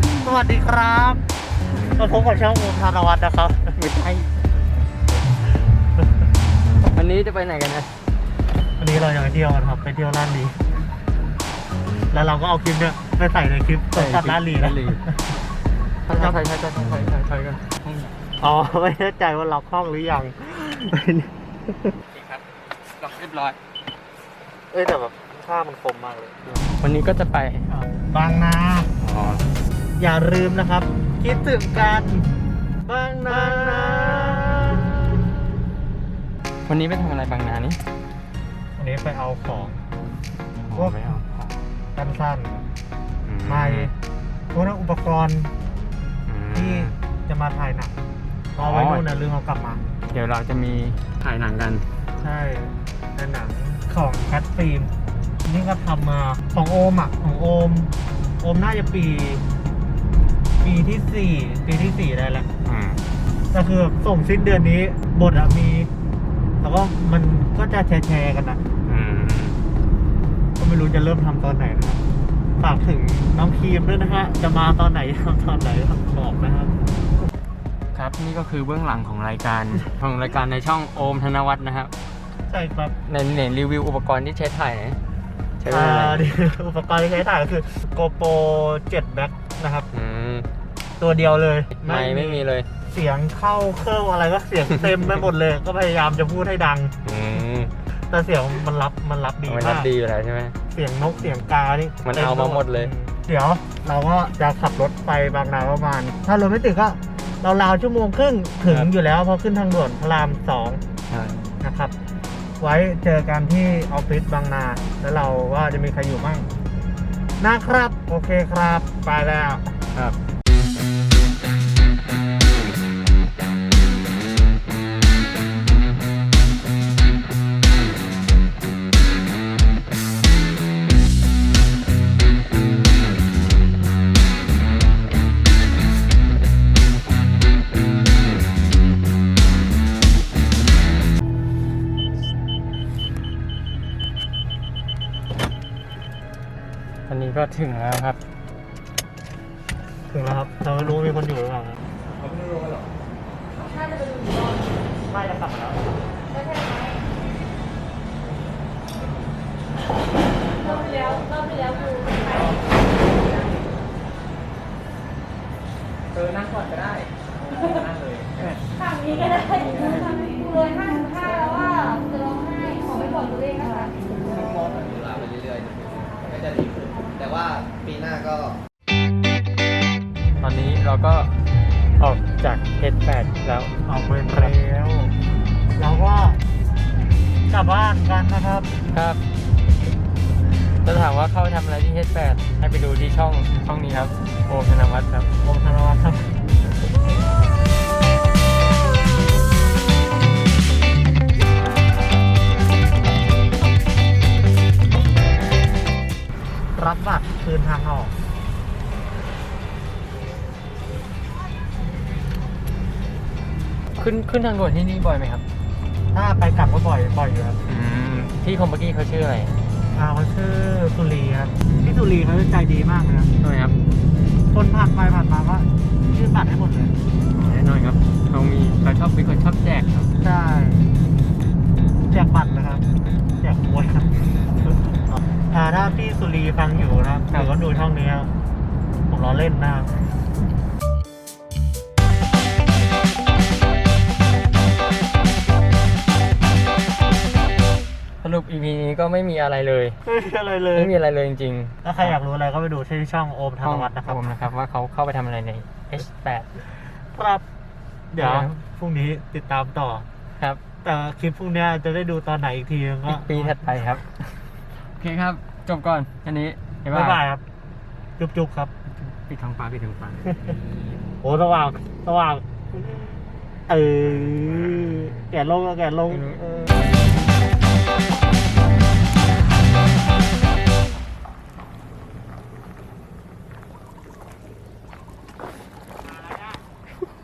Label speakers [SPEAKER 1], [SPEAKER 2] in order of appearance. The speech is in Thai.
[SPEAKER 1] สวัสดีครับมาพบกับช่องโอมธนวัฒน์นะครับไม่ใช่
[SPEAKER 2] วันนี้จะไปไหนกันนะ
[SPEAKER 1] วันนี้เราจะไปเที่ยวกันครับไปเที่ยวลาดลีแล้วเราก็เอาคลิปเนี่ยไปใส่ในคลิปสดสัดลาดลีนะ
[SPEAKER 2] ใช่กัน
[SPEAKER 1] อ๋อไม่แน่ใจว่าล็อกห้องหรือยัง
[SPEAKER 2] ครับล็อกเรียบร้อย
[SPEAKER 1] เอ้ยแต่แบบค่ามันคมมากเลย
[SPEAKER 2] วันนี้ก็จะไป
[SPEAKER 1] บางนา
[SPEAKER 2] อ๋อ
[SPEAKER 1] อย่าลืมนะครับ คิดถึงกันบางนา
[SPEAKER 2] วันนี้ไปทำอะไรบางนานี่
[SPEAKER 1] วันนี้ไปเอาของ
[SPEAKER 2] พวกไม่เอา
[SPEAKER 1] สั้นๆไม่พวกนั้นอุปกรณ์ที่จะมาถ่ายหนังเอาไว้นู่นนะลืมเอากลับมา
[SPEAKER 2] เดี๋ยวเราจะมีถ่ายหนังกัน
[SPEAKER 1] ใช่เป็นหนังของแคทฟิล์มนี่ก็ทำมาของโอมอ่ะของโอมน่าจะปีที่สี่ได้แล้วก็คือส่งสิ้นเดือนนี้บทอะมีแล้วก็มันก็จะแชร์กันนะก็ไม่รู้จะเริ่มทำตอนไหนนะครับฝากถึงน้องครีมด้วยนะฮะจะมาตอนไหนทำตอนไหนบอกนะครับ
[SPEAKER 2] ครับนี่ก็คือเบื้องหลังของรายการในช่องโอมธนวัฒน์นะครับ
[SPEAKER 1] ใช่ครับ
[SPEAKER 2] ในรีวิวอุปกรณ์ที่ใช้ถ่ายนะใช้อะไร
[SPEAKER 1] อุปกรณ์ที่ใช้ถ่ายก็คือ GoPro 7 Max นะครับ ตัวเดียวเลย
[SPEAKER 2] ไม่มีเลย
[SPEAKER 1] เสียงเข้าเครื่องอะไรก็เสียงเต็มไปหมดเลย ก็พยายามจะพูดให้ดัง แต่เสียงมันรับดี
[SPEAKER 2] มัน
[SPEAKER 1] มา
[SPEAKER 2] รับ
[SPEAKER 1] ก
[SPEAKER 2] ดีอยู่แล้วใช่ไหม
[SPEAKER 1] เสียงนกเสียงกานี่
[SPEAKER 2] มันเอามาหมดเลย
[SPEAKER 1] เดี๋ยวเราก็จะขับรถไปบางนาประมาณ ถ้ารถไม่ติดก็ราวๆชั่วโมงครึ่งถึงอยู่แล้วเพราะขึ้นทางด่วนพระราม 2นะครับ ไว้เจอกันที่ออฟฟิศบางนา แล้วเราว่าจะมีใครอยู่บ้างนะครับ โอเคครับ ไปแล้ว
[SPEAKER 2] ครับ อันนี้ก็ถึงแล้วครับ
[SPEAKER 1] ถึงแล้วครับเราไม่รู้มีคนอยู่หรือเปล่าครับเราไม่รู้หรอไม่จะกลับมาแล้ว
[SPEAKER 3] รอบที่แล้วคือ
[SPEAKER 2] นั่งก่อนก็ได้นั่งเลย
[SPEAKER 3] ฝั่งนี้ก็ได้เลย55แล้วว่าจะร้องไห้ขอไปบอกตัวเองนะคะ
[SPEAKER 4] มองอยู่ลาไปเรื่อยๆก็จะดีขึ้นแต่ว่าปีหน้าก็
[SPEAKER 2] ตอนนี้เราก็ออกจากเฮดแปดแล้ว
[SPEAKER 1] ออกไปแล้วเราก็กลับบ้านกันนะครับ
[SPEAKER 2] ครับจะถามว่าเข้าไปทำอะไรที่เฮดแปดให้ไปดูที่ช่องนี้ครับโอมธนวัฒน์ครับ
[SPEAKER 1] โอมธนวัฒน์ครับรับบัตรคืนทางออก
[SPEAKER 2] ขึ้นทางด่วนที่นี่บ่อยไหมครับ
[SPEAKER 1] ถ้าไปกลับก็บ่อยอยู่ครับ
[SPEAKER 2] ที่คอมเมื่อกี้เขาชื่ออะไร
[SPEAKER 1] เขาชื่อสุรีครับพี่สุรีเขาใจดีมากเลยครับ
[SPEAKER 2] ทำไมครับ
[SPEAKER 1] คนผ่านไปผ่านมาก็ยื่นบัตรให้หมดเลย
[SPEAKER 2] แน่นอนครับเขาชอบเป็นคนชอบแจกครับ
[SPEAKER 1] ใช่แจกบัตรนะครับแจกมวยครับถ้าพี่สุรีฟังอยู่นะครับหรือว่าดูช่องนี้ครับผมล้อเล่นนะครับ
[SPEAKER 2] สรุป EP นี้ก็ไม่มีอะไรเลย
[SPEAKER 1] ไม่มีอะไรเลย
[SPEAKER 2] ไม่มีอะไรเลยจริง
[SPEAKER 1] ถ้าใครอยากรู้อะไรก็ไปดูที่ช่องโอม
[SPEAKER 2] ๆ
[SPEAKER 1] ธนวัฒน์นะครับ
[SPEAKER 2] ผมนะครับว่าเขาเข้าไปทำอะไรใน H8
[SPEAKER 1] ครับ เดี๋ยว
[SPEAKER 2] ครับ
[SPEAKER 1] พรุ่งนี้ติดตามต่อ
[SPEAKER 2] ครับ
[SPEAKER 1] แต่คลิปพรุ่งนี้จะได้ดูตอนไหนอีกทีก็
[SPEAKER 2] อีกปีถัดไปครับ โอเคครับ จบก่อนอันนี้
[SPEAKER 1] บ๊ายบายครับ จุ๊บๆครับ
[SPEAKER 2] ปิดท้องฟ้า
[SPEAKER 1] โอ้สว่างแก่ลง